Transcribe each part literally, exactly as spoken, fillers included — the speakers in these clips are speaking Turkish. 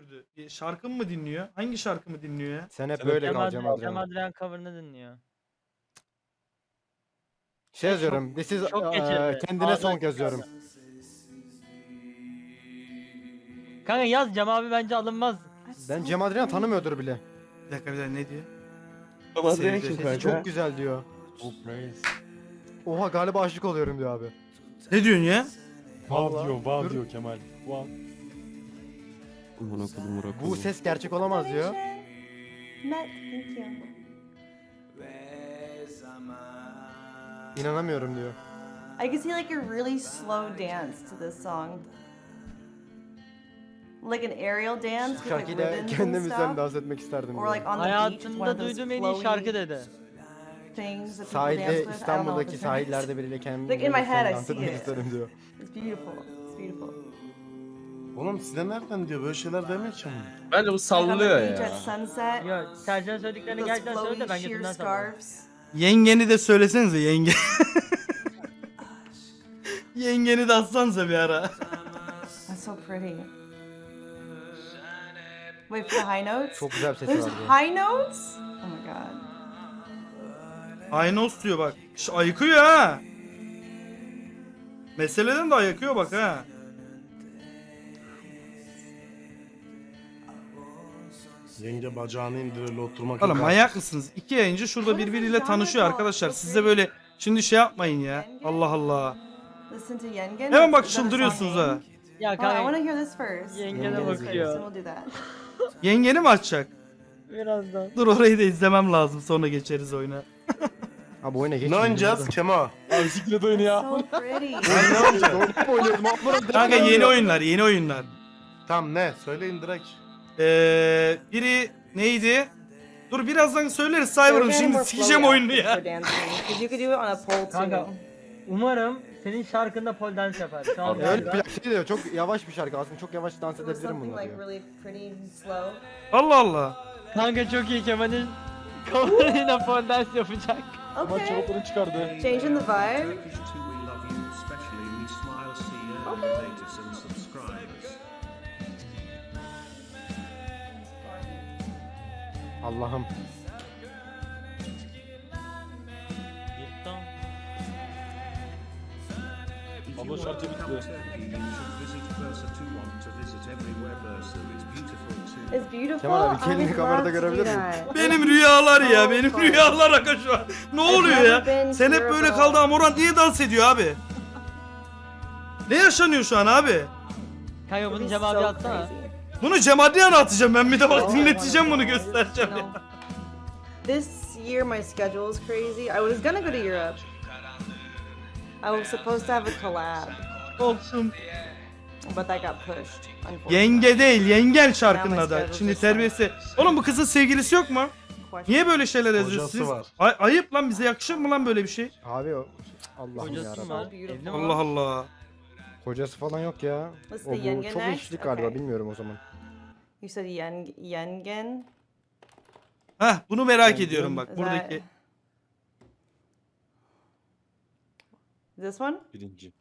güldürdü. E, Şarkımı mı dinliyor? Hangi şarkımı dinliyor ya? Sen hep Sen böyle hep- kal Cem Cem Adrian, Cem Adrian. Adrian cover'ını dinliyor. Şey yazıyorum. This is çok eee, geçirdi. kendine Ağzına son çıkardı. yazıyorum. Kanka yaz Cem abi bence alınmaz. Ben Cem Adrian tanımıyordur bile. Bir dakika bir dakika ne diyor? Adrian Sevdi. kim Sesi kanka? çok güzel diyor. Oh praise. Oha galiba aşık oluyorum diyor abi. Ne diyorsun ya? Wow Vallahi. diyor, wow Dur. diyor Kemal. Wow. Aman okudum Murat. Bu ses gerçek olamaz diyor. Met, thank you. İnanamıyorum diyor. I can see like a really slow dance to this song. Like an aerial dance with like Şarkıyla ribbons and kendimizden stuff. dans etmek isterdim Or diyor. like on the beach with one Hayatımda of those duyduğum en iyi flowy şarkı dedi. things that people dance Sahilde with. I don't know what İstanbul'daki the term is. sahillerde biriyle Like in my head, kendimizden I dans see etmek it. isterim diyor. It's beautiful. It's beautiful. Oğlum size nereden diyor böyle şeyler demiyor ki ama. Bence bu Like on the sallıyor beach ya. at sunset. Ya Sercan söylediklerini Those gerçekten söyle de flowy ben sheer götümden sanırım. scarves. Yengeni de söylesenize yenge. Yengeni de atsanıza bir ara. That's so pretty. Wait for the high notes? Çok güzel bir sesi There's var diyor. high notes? Oh my god. Aynos diyor bak. Ş- ayıkıyor ha. Meseleden de ayıkıyor bak ha. Yenge bacağını indir öyle oturmak Oğlum yok. manyak mısınız? İki yayıncı şurada birbiriyle tanışıyor arkadaşlar. Siz de böyle şimdi şey yapmayın ya. Allah Allah. Listen to Yengen. Hemen bak Is that a çıldırıyorsunuz song ha. name? Ya Oh, I want kanka to hear this first. Yengene Yengene Then bakıyor. we'll do that. Yengeni mi açacak? Birazdan. Dur orayı da izlemem lazım sonra geçeriz oyuna. Abi oyuna geç. Ne oynayacağız Kemo? Abi siklet oyunu ya. So pretty. Ne oynayacağız? Oynayıp oynuyordum. Abi Kanka yeni oyunlar yeni oyunlar. Tamam ne? Söyleyin direkt. Ee, biri neydi? Dur birazdan söyleriz Cyber'ım şimdi sikeceğim oyunu ya. Because you could do it on a pole Kanka too. umarım senin şarkında pole dance yapar. Şu an Abi, Öyle galiba- bir şey diyor. Çok yavaş bir şarkı aslında. Çok yavaş dans It was edebilirim something bununla like diyor. really pretty and slow. Allah Allah. Kanka çok iyi Kemal'in cover'ıyla pole dance yapacak. Kemal Okay. çoraplarını çıkardı. Changing the vibe. Turkish too, we love you, especially we smile, see you, Okay. natives and subscribers. Allah'ım. If Abla you şarkı want to come bitti. Turkey, you should visit Bursa to want to visit everywhere Bursa. It's beautiful too. It's beautiful. Kemal abi, I kendini would kamerada love to do görebilir miyim? that. Benim rüyalar ya benim rüyalar aga şu an. Ne oluyor ya? Sen hep böyle kaldı Amorant niye dans ediyor abi? Ne yaşanıyor şu an abi? Kanka It'd bunu be Cem so abi atsana. crazy. Bunu Cem Adrian'a atacağım ben bir de bak Oh, dinleteceğim bunu you göstereceğim know, ya. This year my schedule is crazy. I was gonna go to Europe. I was supposed to have a collab, Olsun. but that got pushed. Unfortunately. Yenge değil yengen şarkının adı. Şimdi terbiyesi. Oğlum bu kızın sevgilisi yok mu? Question. Niye böyle şeyler yazıyorsunuz Hocası siz? var. Ay- ayıp lan bize yakışır mı lan böyle bir şey? Abi o. Allah'ım Hocası yarabbim. var. Evli mi Allah var? Allah. Kocası falan yok ya. Let's O do bu Yengen çok next. işlik galiba Okay. bilmiyorum o zaman. You said Yen Yengen. Heh bunu merak Yengen. ediyorum bak Is buradaki. that- This one? Birinci.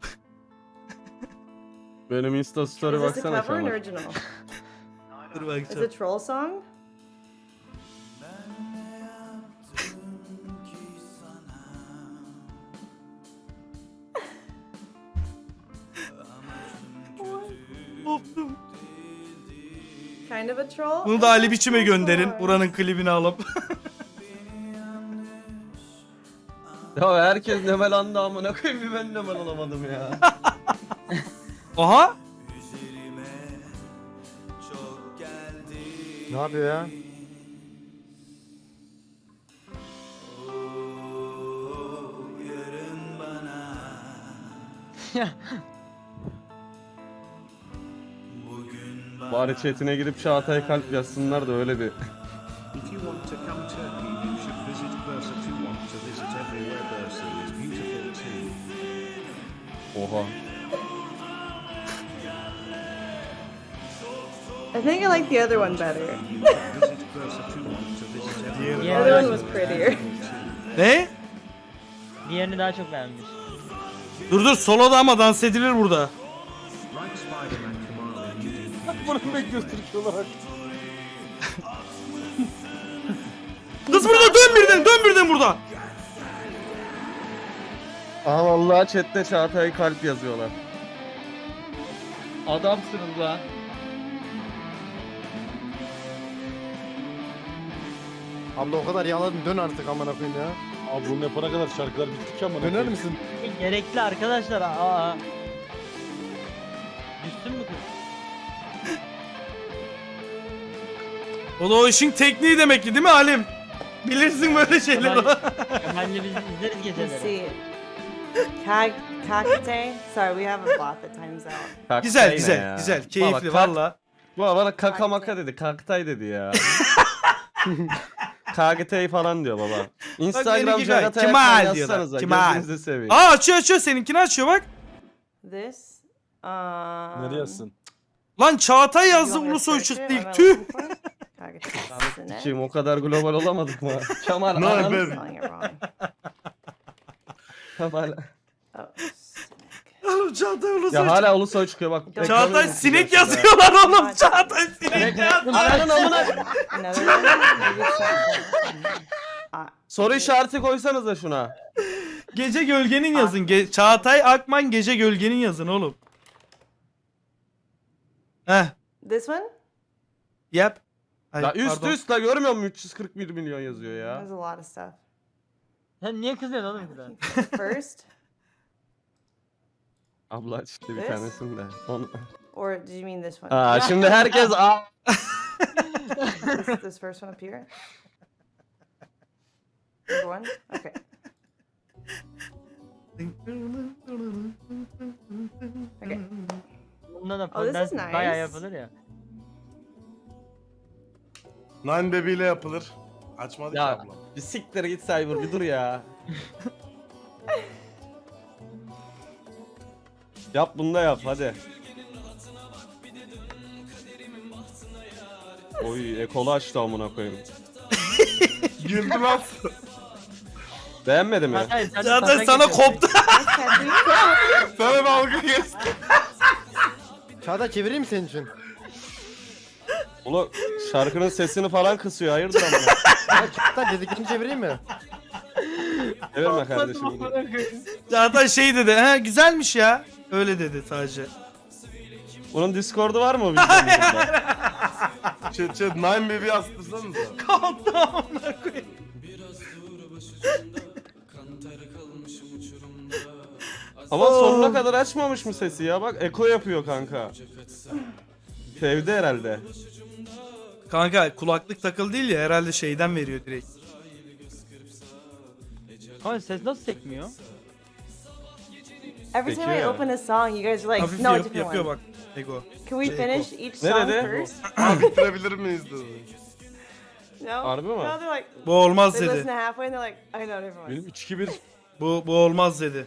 Benim Insta story Is this a baksana cover or an Kemal. original? Dur Is bakacağım. it a troll song? Koptum. Kind of a troll? Bunu da Ali Biçim'e gönderin. Buranın klibini alıp. Ya herkes Nemel andı amına koyayım bir ben Nemel olamadım ya. Aha. Ne yapıyor ya? Bari chatine girip Çağatay kalp yazsınlar da öyle bir. If you want to come Turkey, you should visit Bursa to want to visit everywhere Bursa is beautiful too. Oha. I think I like the other one better. You should visit Bursa to want to visit everywhere The other one was prettier. Ne? Diğerini daha çok beğenmiş. Dur dur soloda ama dans edilir burada. Like Spider-Man Kamala, you do Bunu bekliyoruz Türkiye olarak. Kız burada, dön birden, dön birden burada. Aha vallahi chatte Çağatay kalp yazıyorlar. Adamsınız lan. Abla o kadar yağladın, dön artık amına koyayım ya. Abi bunu yapana kadar şarkılar bitti ki amına Döner koyayım. misin? Gerekli arkadaşlar. Aa. Düştün mü kız? O da o işin tekniği demek ki değil mi Halim? Bilirsin böyle şeyleri. Kemal'le biz izleriz Let's geceleri. see. Kag Kakate. Sorry, we have a bot that times out. Kaktay Güzel ne güzel ya? güzel Baba, keyifli kak- valla. Bu bana kaka maka dedi. Kaktay dedi ya. K G T falan diyor baba. Instagram benimki gayet Çağatay Kemal Akman diyorlar, yazsanıza. Kemal. Gözünüzü seveyim. Aa açıyor açıyor seninkini açıyor bak. This. Um. Nereye yazsın? Lan Çağatay you yazdı want me to Ulusoy search it? çıktı What am ilk I tüh. looking for? Kagate. Isn't Kim it? o kadar global olamadık mı? Kemal No, ananı baby. Spelling it wrong. Kemal. Oh, Oğlum Çağatay Ulusoy Ya hala Ulusoy çıkıyor bak. Çağatay Çağatay Ekranı sinek yazıyor. yazıyorlar oğlum. Çağatay sinek yaz. Ananın amına. another one. Maybe it's not. Uh, Soru işareti koysanız da şuna. Gece gölgenin yazın. Ge- Çağatay Akman gece gölgenin yazın oğlum. Heh. this one? Yap. Ay, Ya üst pardon. üst la görmüyor musun? üç yüz kırk bir milyon yazıyor ya. There's a lot of stuff. Sen niye kızıyorsun oğlum kıza? First, Abla işte bir This? tanesini de. On... or do you mean this one? Aa şimdi herkes aa. this, this first one up here. Number one. Okay. Okay. Bunda da Oh, this is fondant bayağı nice. yapılır ya. Nine Baby ile yapılır. Açmadı ki Ya ablam. bir siktir git Cyber bir dur ya. Yap bunu da yap hadi. Oy ekolu açtı amına koyayım. Güldü lan. Beğenmedi mi? Hayır, sen Çağatay taşak sana yapıyorsun. koptu. Sana dalga geçti. Çağatay çevireyim mi senin için? Ulan şarkının sesini falan kısıyor hayırdır amına. Ya Çağatay dediklerini çevireyim mi? Çevirme kardeşim. Çağatay şey dedi. He güzelmiş ya. Öyle dedi sadece. Bunun Discord'u var mı videomuzda? Chat chat Nine Baby yastırsanıza. Koptu amına koyayım. Ama sonuna kadar açmamış mı sesi ya? Bak eko yapıyor kanka. Sevdi herhalde. Kanka kulaklık takılı değil ya herhalde şeyden veriyor direkt. Ama ses nasıl sekmiyor? Every time I Peki. open a song, you guys are like, Hafif no, yap, different yapıyor one. bak. Ego. Can we Şey, finish each Ne song dedi? first? Abi bitirebilir miyiz dedi. No. Harbi mi? No, they're like, Bu olmaz they listen dedi. to halfway and they're like, I know different ones. Benim üç iki bir Bu bu olmaz dedi.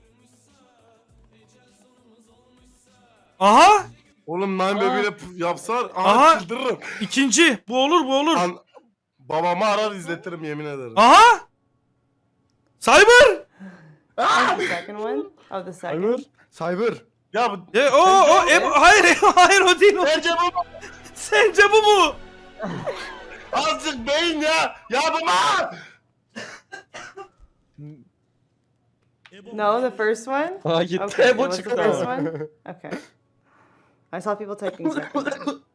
Aha! Oğlum Nine Baby ile p- yapsalar aha, Aha. çıldırırım. İkinci. Bu olur bu olur. An babamı arar izletirim yemin ederim. Aha! Cyber! And the second one? Oh, the second. Cyber. Cyber. Ya bu E, o o e, hayır e, hayır o değil o. bence bu Sence bu mu? azıcık beyin ya. Ya baba! No, the first one? Ha gitti Okay, it bu was the çıktı first ama. one? Okay. I saw people typing second.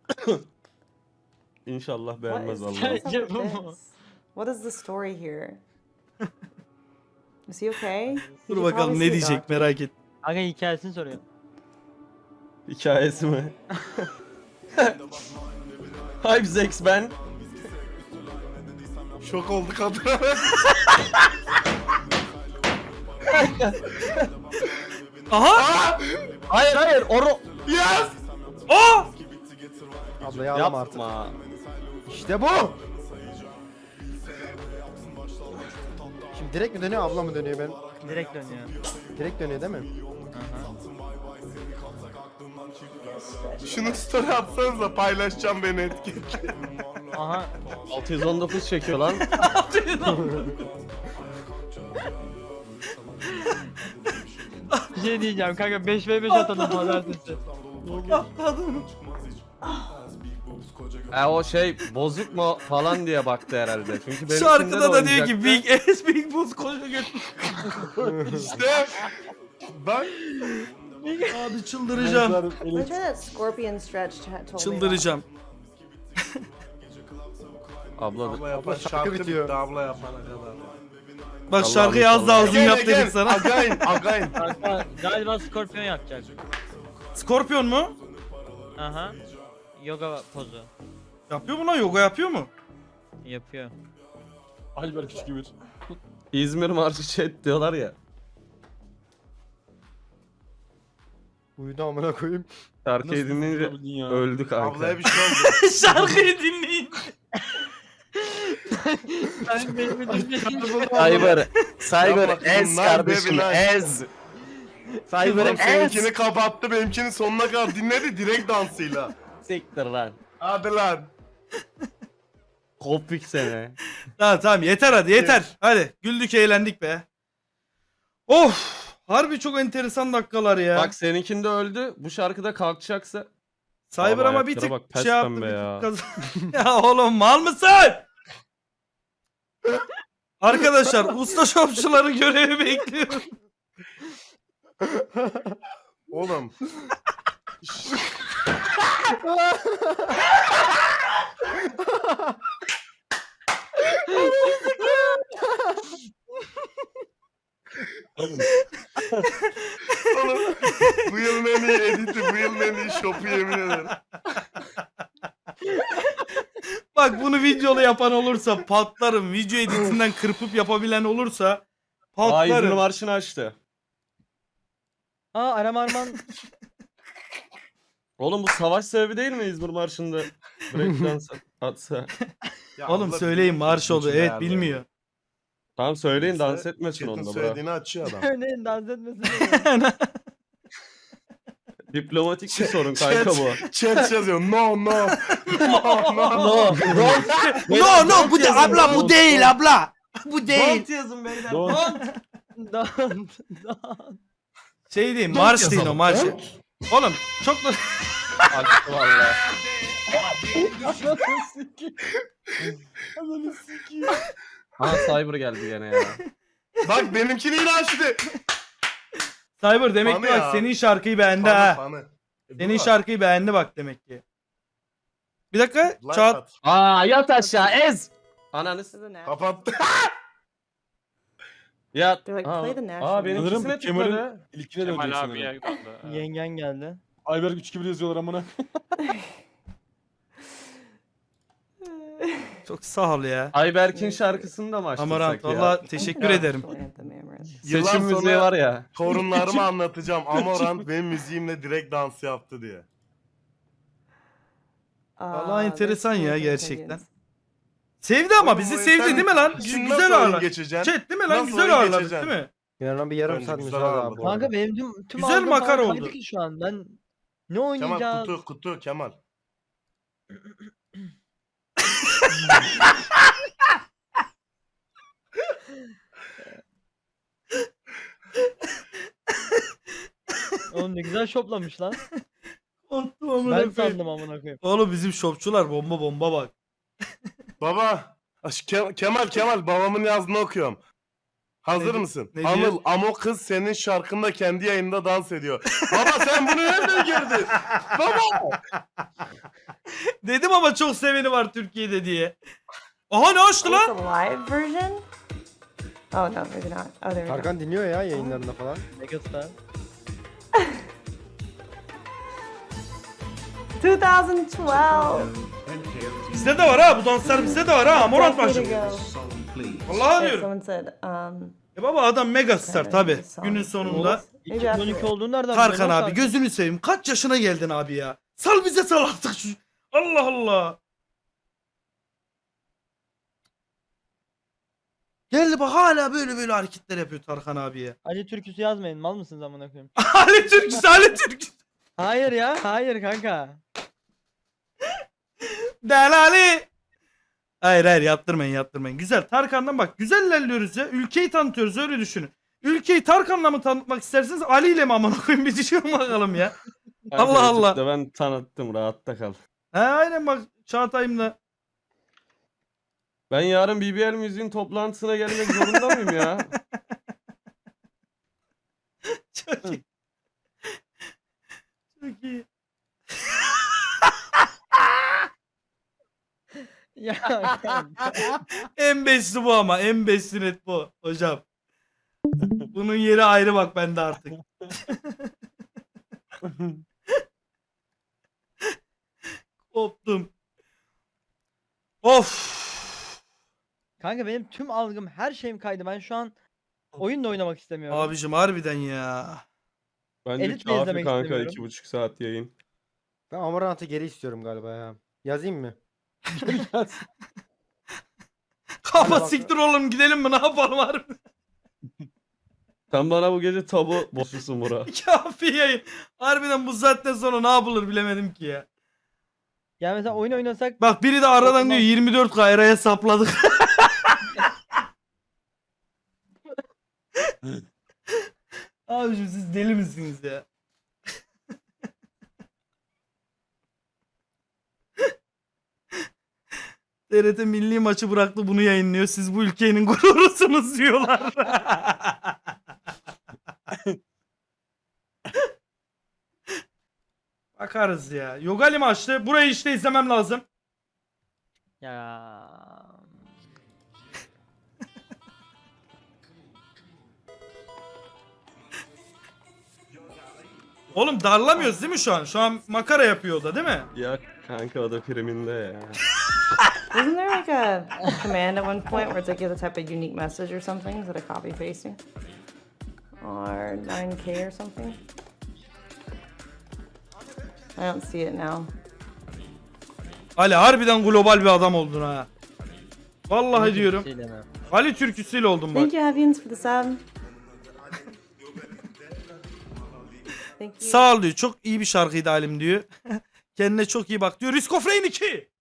İnşallah What beğenmez is, vallahi. what is up Bence with bu mu? this? What is the story here? Is he okay? He Dur should bakalım probably ne see a diyecek doctor. merak et. Aga hikayesini soruyor. Hikayesi mi? Hype Zex ben. Şok oldu kadın. Aha! Hayır hayır oro. Yes! O! Abla yağlama artık. Yapma. İşte bu. Şimdi direkt mi dönüyor abla mı dönüyor ben? Direkt dönüyor. Direkt dönüyor değil mi? Şunu story atsanıza paylaşacağım beni etiketle. Aha. altı yüz on dokuz çekiyor lan. Bir şey diyeceğim kanka beş ve beş atalım pazartesi. E o şey bozuk mu falan diye baktı herhalde. Çünkü benim Şarkıda da diyor ki Big Ass Big Boss koca götür. İşte bak Abi çıldıracağım. Look at that scorpion stretch chat told me about. Çıldıracağım. Abla abla yapan şarkı şarkı bitiyor. bitti abla yapana kadar. Bak Allah'ım şarkıyı az daha uzun Again, yap again, dedik sana. Again, again. Kanka galiba Scorpion yapacak. Scorpion mu? Aha. Yoga pozu. Yapıyor mu lan? Yoga yapıyor mu? Yapıyor. Albert üç iki bir. İzmir Marşı chat diyorlar ya. Uyudu amına koyayım. Şarkıyı Nasıl dinleyince yapabildin ya? öldü kanka. Ablaya bir şey oldu. Şarkıyı dinleyin. Sen benim Cyber, Cyber Yapma ez kızım, lan kardeşim baby lan. ez. Cyber Oğlum ez. seninkini kapattı, benimkini sonuna kadar dinledi direkt dansıyla. Siktir lan. Hadi lan. Kopik seni. Tamam tamam yeter hadi yeter. Hadi güldük eğlendik be. Of. Harbi çok enteresan dakikalar ya. Bak seninkinde öldü. Bu şarkıda kalkacaksa. Cyber Vallahi ama bir ayaklara tık bak, pes şey yaptı. pembe bir tık ya. kaz- ya oğlum mal mısın? Arkadaşlar usta şopçuları görevi bekliyorum. Oğlum. Oğlum bu yılın en iyi editi, bu yılın en iyi şopu yemin ederim. Bak bunu videolu yapan olursa patlarım. Video editinden kırpıp yapabilen olursa Aa İzmir patlarım. Marşı'nı açtı. Aa Aram Arman. Oğlum bu savaş sebebi değil mi İzmir Marşı'nda? Breakdance atsa. Ya Oğlum abla söyleyin biliyor, marş oldu. için Evet değerli. bilmiyor. Tamam söyleyin Neyse, dans etmesin Chat'in onda bro. söylediğini açıyor adam. Örneğin dans etmesin. Diplomatik bir sorun kanka bu. Chat yazıyor no no. No no. No. No no bu de abla bu değil abla. Bu değil. Don't yazın beyler. Don't. Dans. Dans. Şey değil marş değil o marş. Oğlum çok da Açtı valla. Aha Cyber geldi gene ya. Bak benimkini yine açtı. Cyber demek Fanı ki bak ya. senin şarkıyı beğendi Fanı, ha. fanı. E, bu Senin var. şarkıyı beğendi bak demek ki. Bir dakika Like çat. at. Aa yat aşağı ez. Ananı This is a nap. Kapattı. yat. They're like, Aa, play the national aa benim Sanırım ikisine Kemal'in tıkladı. ilkine dönecek Kemal sanırım. abiye kaldı. Yengen geldi. Albert üç iki bir yazıyorlar amına. Çok sağ ol ya. Ayberk'in şarkısını da mı açtırsak Amarant ya? valla teşekkür ederim. National anthem, Amaranth. Yıllar Seçim müziği sonra var ya. torunlarıma anlatacağım. Amorant benim müziğimle direkt dans yaptı diye. Vallahi Ah, enteresan there's ya two gerçekten. opinions. Sevdi ama Oğlum, bizi bu sevdi sen- değil mi lan? Şimdi Güzel nasıl oyun ağırladık. geçeceksin? Chat değil mi lan? Nasıl Güzel oyun ağırladık geçeceksin? değil mi? Yarın bir yarım Bence saat güzel müsaade ağırladı. abi. Kanka benim tüm, tüm Güzel algım makara harikaydı oldu. ki şu an. Ben ne Kemal oynayacağız? kutu kutu Kemal. Oğlum ne güzel şoplamış lan. Unuttum amına Ben koyayım. sandım amına koyayım. Oğlum bizim şopçular bomba bomba bak. Baba. Aş- Ke- Kemal Kemal babamın yazdığını okuyorum. Hazır Ne- mısın? ne diyor? Anıl Amo kız senin şarkında kendi yayında dans ediyor. Baba sen bunu nereden gördün? Baba. Dedim ama çok seveni var Türkiye'de diye. Aha ne açtı It's lan? a live version? Oh no, maybe not. Oh, there we go. Tarkan dinliyor ya yayınlarında falan. Megastar. twenty twelve. Bizde de var ha bu danslar bizde de var ha. Amorant Decade başladı. ago. Song, please. Vallahi Yeah, diyorum. someone said, um, E baba adam megastar tabi. Song. Günün sonunda. Maybe iki bin on after iki it. olduğunu nereden Tarkan biliyorsun lan abi sen? gözünü seveyim. Kaç yaşına geldin abi ya? Sal bize sal artık şu. Allah Allah. Geldi bak hala böyle böyle hareketler yapıyor Tarkan abiye. Ali türküsü yazmayın. Mal mısınız amına koyayım? Ali Türküsü, Ali Türküsü. Hayır ya. Hayır kanka. Delali. Hayır hayır yaptırmayın yaptırmayın. Güzel Tarkan'dan bak güzel ilerliyoruz ya. Ülkeyi tanıtıyoruz öyle düşünün. Ülkeyi Tarkan'la mı tanıtmak isterseniz Ali ile mi amına koyayım bir düşünün bakalım ya. Kanka, Allah Allah. YouTube'da ben tanıttım rahatta kal. He aynen bak Çağatay'ımla. Ben yarın B B L müziğin toplantısına gelmek zorunda mıyım ya? Çok iyi. Çok iyi. Ya kanka. En besti bu ama. En besti net bu hocam. Bunun yeri ayrı bak bende artık. Koptum. Of. Kanka benim tüm algım, her şeyim kaydı. Ben şu an oyun da oynamak istemiyorum. Abicim harbiden ya. Bence Edit de kafi izlemek kanka istemiyorum. iki buçuk saat yayın. Ben Amorant'ı geri istiyorum galiba ya. Yazayım mı? Kafa bak- siktir oğlum gidelim mi ne yapalım harbi. Sen bana bu gece tabu boşlusun Mura. Kafi yayın. Harbiden bu saatten sonra ne yapılır bilemedim ki ya. Yani mesela oyun oynasak Bak biri de aradan diyor yirmi dört K eraya sapladık. Abicim siz deli misiniz ya? T R T milli maçı bıraktı bunu yayınlıyor. Siz bu ülkenin gururusunuz diyorlar. Bakarız ya. Yogali maçtı. Burayı işte izlemem lazım. ya Oğlum darlamıyoruz değil mi şu an? Şu an makara yapıyor o da değil mi? Ya kanka o da priminde ya. Isn't there like a command at one point where it's like you have to type a unique message or something instead of copy pasting? Or nine K or something? I don't see it now. Ali harbiden global bir adam oldun ha. Vallahi diyorum. şey deme. Ali türküsüyle oldum bak. Thank you, Avians, for the sub. Thank you. Sağ ol diyor. Çok iyi bir şarkıydı Halim diyor. Kendine çok iyi bak diyor. Risk of Rain iki.